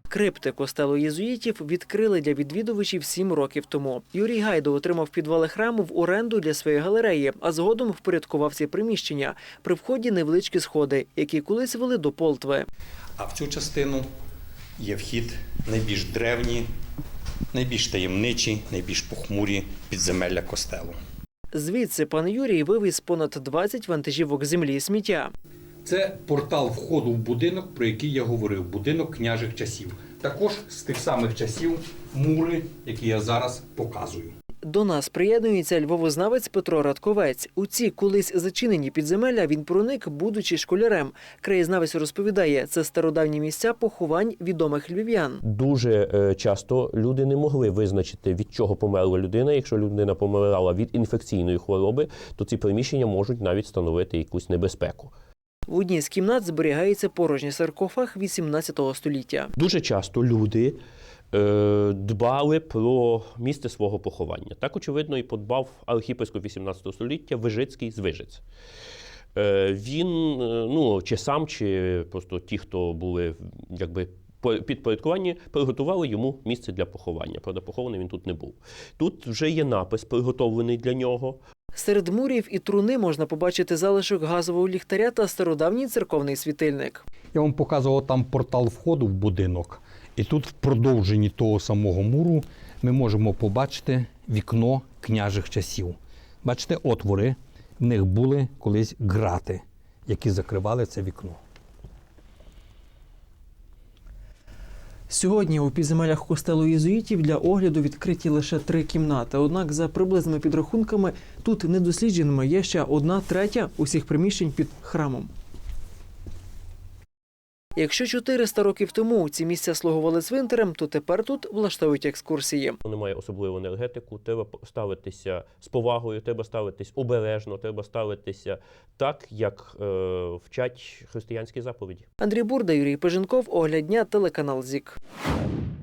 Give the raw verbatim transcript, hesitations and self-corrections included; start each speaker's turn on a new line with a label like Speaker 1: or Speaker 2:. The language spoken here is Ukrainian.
Speaker 1: Крипти костелу єзуїтів відкрили для відвідувачів сім років тому. Юрій Гайда отримав підвали храму в оренду для своєї галереї, а згодом впорядкував ці приміщення. При вході невеличкі сходи, які колись вели до Полтви.
Speaker 2: А в цю частину є вхід найбільш древні, найбільш таємничі, найбільш похмурі підземелля костелу.
Speaker 1: Звідси пан Юрій вивіз понад двадцять вантажівок землі і сміття.
Speaker 2: Це портал входу в будинок, про який я говорив, будинок княжих часів. Також з тих самих часів мури, які я зараз показую.
Speaker 1: До нас приєднується львовознавець Петро Радковець. У ці колись зачинені підземелля він проник, будучи школярем. Краєзнавець розповідає, це стародавні місця поховань відомих львів'ян.
Speaker 3: Дуже часто люди не могли визначити, від чого померла людина. Якщо людина помирала від інфекційної хвороби, то ці приміщення можуть навіть становити якусь небезпеку.
Speaker 1: В одній з кімнат зберігається порожній саркофаг вісімнадцятого століття.
Speaker 3: Дуже часто люди е, дбали про місце свого поховання. Так, очевидно, і подбав архієпископ вісімнадцятого століття Вижицький з Вижиць. Е, він, ну, чи сам, чи просто ті, хто були, якби, підпорядковані, приготували йому місце для поховання. Правда, похований він тут не був. Тут вже є напис, приготовлений для нього.
Speaker 1: Серед мурів і труни можна побачити залишок газового ліхтаря та стародавній церковний світильник.
Speaker 2: Я вам показував там портал входу в будинок. І тут в продовженні того самого муру ми можемо побачити вікно княжих часів. Бачите, отвори, в них були колись грати, які закривали це вікно.
Speaker 1: Сьогодні у підземеллях костелу єзуїтів для огляду відкриті лише три кімнати. Однак, за приблизними підрахунками, тут недослідженими є ще одна третя усіх приміщень під храмом. Якщо чотириста років тому ці місця слугували цвинтарем, то тепер тут влаштовують екскурсії.
Speaker 3: Немає особливу енергетику, треба ставитися з повагою, треба ставитись обережно, треба ставитися так, як е, вчать християнські заповіді.
Speaker 1: Андрій Бурда, Юрій Пеженков, Огляд дня, телеканал ЗІК.